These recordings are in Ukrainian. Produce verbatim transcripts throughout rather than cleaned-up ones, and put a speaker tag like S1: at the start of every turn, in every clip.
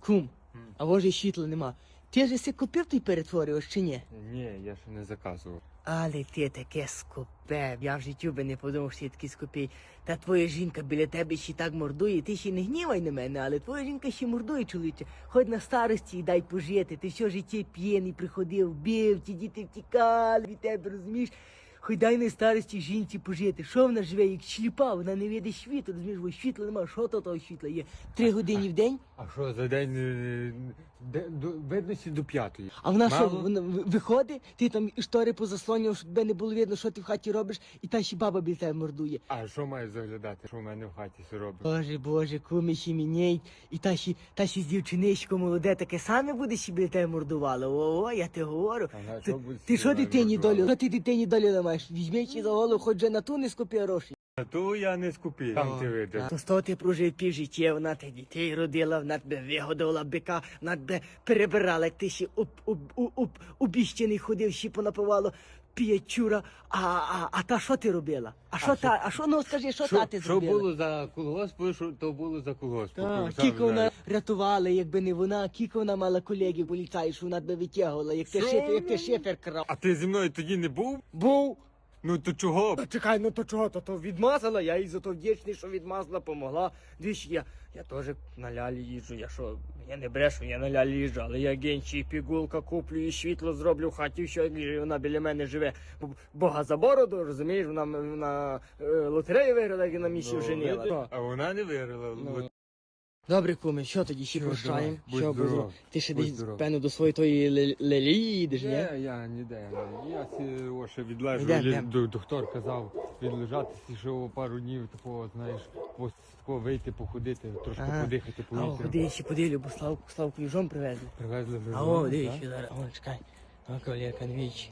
S1: Кум, а може світла нема. Ти ж си купив той перетворювач чи ні?
S2: Ні, я ще не заказував.
S1: Але ти таке скупе. Я в життю би не подумав, що я такий скупий. Та твоя жінка біля тебе ще так мордує. Ти ще не гнівай на мене, але твоя жінка ще мордує, чоловіче. Ходь на старості і дай пожити. Ти все життя п'єний приходив, бив, ті діти втікали від тебе, розумієш? Хоч дай на старості жінці пожити. Що вона живе, як шліпа, вона не видить світу, розумієш, бо світла нема, що то того світла є? Три години в день?
S2: А що, за день е, де- до, видності до п'ятої?
S1: А вона що,
S2: Мало?
S1: вона в- виходить, ти там штори позаслонював, щоб тебе не було видно, що ти в хаті робиш, і та ще баба біля тебе мордує.
S2: А що маю заглядати, що в мене в хаті все робить?
S1: Боже, боже, куми ще міняють, і та ще, та ще з дівчиничком молоде таке саме буде ще біля тебе мордувало. О, я ти говорю.
S2: Ага,
S1: Ти,
S2: що буде
S1: ти
S2: з
S1: що
S2: вона
S1: дитині
S2: мордувала?
S1: долю? Що ти дитині долю ламаєш? Візьми чи за голову, хоч же на ту не скупи гроші.
S2: А то я не скупив, там ти видиш.
S1: То з того ти прожив пів життя, вона тебе дітей родила, вона тебе вигодувала бика, вона тебе перебирала, як ти ще об, об, об, об, обіщений ходив, ще понапивало п'ячура. А, а, а та що ти робила? А що та, а що, ну скажи, що та ти
S2: Що
S1: зробила?
S2: було за колгосп, що то було за колгосп.
S1: Так,
S2: Сам
S1: кілько вона
S2: знаєш.
S1: рятувала, якби не вона, кілько вона мала колегів поліцаїв, що вона тебе витягувала, як ти
S2: Що?
S1: шифер, як ти шифер крав.
S2: А ти зі мною тоді не був?
S1: Був.
S2: Ну то чого?
S1: Та чекай, ну то чого, то то відмазала, я їй за то вдячний, що відмазала, помогла. Двічі я, я теж на лялі їжджу, я що, я не брешу, я на лялі їжджу, але я генчі і пігулка куплю, і світло зроблю в хаті, що і вона біля мене живе. Бо- Бога за бороду, розумієш, вона, вона е, лотерею виграла, як на місці
S2: Ну,
S1: вженила.
S2: видиш? А вона не виграла.
S1: Ну.
S2: От
S1: Добре, куми, що тоді, ще
S2: Що,
S1: прощаємо?
S2: давай, будь
S1: Що, бо-
S2: здоров,
S1: ти ще
S2: будь
S1: десь,
S2: здоров.
S1: певно, до своєї тої ле- лелії їдеш, ні?
S2: Ні, я ніде. Я сі о, ще відлежу.
S1: Йдем,
S2: лі-
S1: йдем.
S2: до- Доктор казав відлежатися, що пару днів такого, знаєш, ось такого вийти, походити, трошки
S1: Ага.
S2: подихати
S1: А о,
S2: повітрям.
S1: ходи, ще поділю, бо Славку, Славку їжом привезли.
S2: Привезли вже.
S1: А о,
S2: так?
S1: дивись, зараз. О, чекай. О, кавалерка, не віч.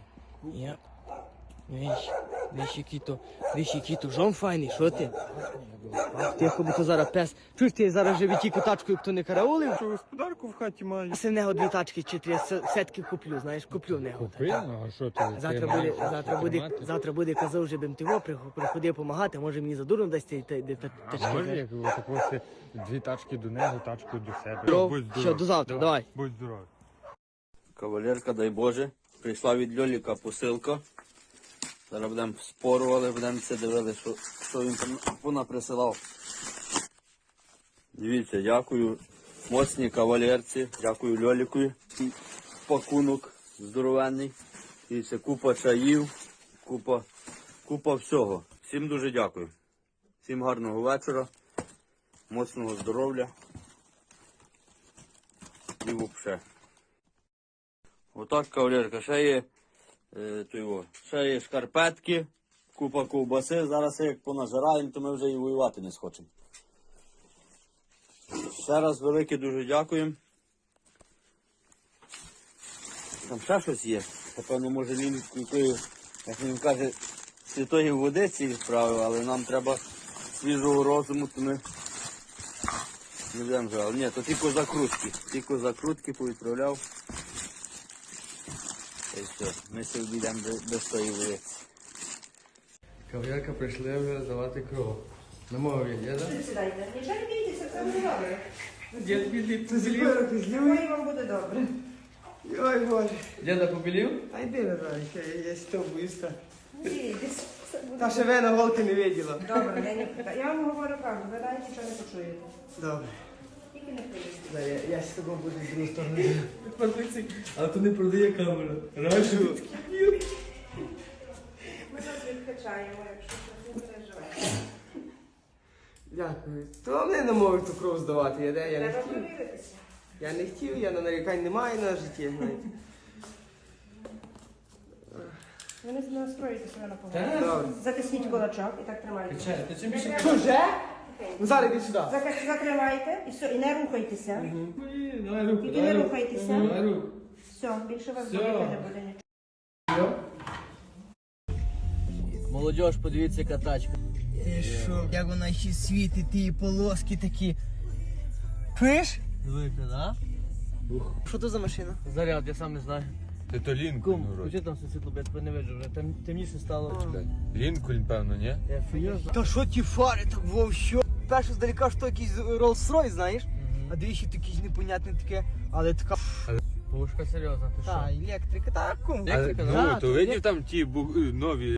S1: Я. Не віч. Дивись, який то, дивись, який то жом файний, що ти? Тихо, бо то зараз пес. Чуєш, ти зараз живі тільки тачкою, хто не караулив?
S2: Що господарку в хаті маю?
S1: Я в нього дві тачки чи три, с- все-таки куплю, знаєш, куплю в нього.
S2: Купив? Ну, а що ти?
S1: Завтра
S2: ти
S1: буде,
S2: маєш
S1: завтра
S2: що
S1: буде,
S2: тримати?
S1: завтра буде казав, що бим тиво приходив допомагати, може мені за дурно дасть ті та- та- та-
S2: А
S1: тачки.
S2: може,
S1: знаєш.
S2: як отак ось дві тачки до нього, тачку до себе.
S1: Здоров.
S2: Будь здоров.
S1: Все, до завтра, давай.
S2: Будь здоров.
S3: Кавалерка, дай Боже, прийшла від Льоліка посилка. Зараз будемо спорували, будемо це дивили, що, що він там вона присилав. Дивіться, дякую моцній кавалерці, дякую Льоліку. І пакунок здоровенний. Дивіться, купа чаїв, купа, купа всього. Всім дуже дякую. Всім гарного вечора, моцного здоров'я. І взагалі. Отак, кавалерка, ще є, е, то його, ще є шкарпетки, купа ковбаси. Зараз як понажираємо, то ми вже і воювати не схочемо. Ще раз велике дуже дякуємо. Там ще щось є. Напевно, може він якої, як він каже, святої водиці відправив, але нам треба свіжого розуму, то ми не будемо вже. Але ні, то тільки закрутки. Тільки закрутки повідправляв. Та й все, ми ще обійдемо без, без тої вулиці.
S4: Кав'ярка прийшли вже здавати кров. На мові є, так?
S5: Сідайте. Нічого не бійтеся, все буде добре.
S4: Дід білів побілів.
S5: Думаю, вам буде добре.
S1: Ой, Боже.
S4: Діда побілів?
S1: Та йди, Наталечка, я з тобою боюся.
S5: Бійтесь, все буде
S1: Та ще вена голки не виділа.
S5: добре. Я, не... я вам говорю правду, ви навіть нічого не почуєте.
S1: Добре.
S5: Тільки не поїсти.
S1: Да, я, я з тобою буду з другої сторони.
S4: Але то не продає камера. Рашу.
S5: Ми вас відкачаємо, якщо щось не переживаєте.
S1: Дякую. То вони не можуть ту кров здавати, я, де, я не
S5: Треба
S1: хотів.
S5: провіритися.
S1: Я не хотів, я на нарікань не маю на житті, знаєте.
S5: Ви не настроїте себе на
S4: Так.
S5: погоду.
S1: Добре.
S5: Затисніть кулачок і так тримайте.
S4: Качай, ти чим більше
S5: Треба-
S1: Вже? Ну зараз іди сюди.
S5: Зак- Затримайте і все, і не рухайтеся.
S4: Ой, давай руку,
S5: Тільки
S4: давай
S5: не
S4: руку.
S5: рухайтеся.
S4: Давай руку.
S5: Все, більше вас
S4: Все.
S5: боліти не буде нічого.
S1: Молодіж, подивіться, яка тачка. Ти що? Як вона ще світить, ті полоски такі. Пиш? Велика, да? Що то за машина?
S4: Заряд, я сам не знаю.
S2: Ти то Лінкольн,
S4: Кум,
S2: вроді.
S4: включи там все світло, бо я тебе не виджу вже. Там темніше стало.
S2: Лінкольн, певно, ні?
S4: Я фігів.
S1: Та що ті фари так вовщо? Перше здалека, що якийсь Rolls-Royce, знаєш? а двічі такі непонятне таке, але така
S4: Пушка серйозна, ти
S1: та, електрика, та кум.
S2: Але,
S1: Та,
S2: ну, то
S1: то
S2: видів там ті бу- нові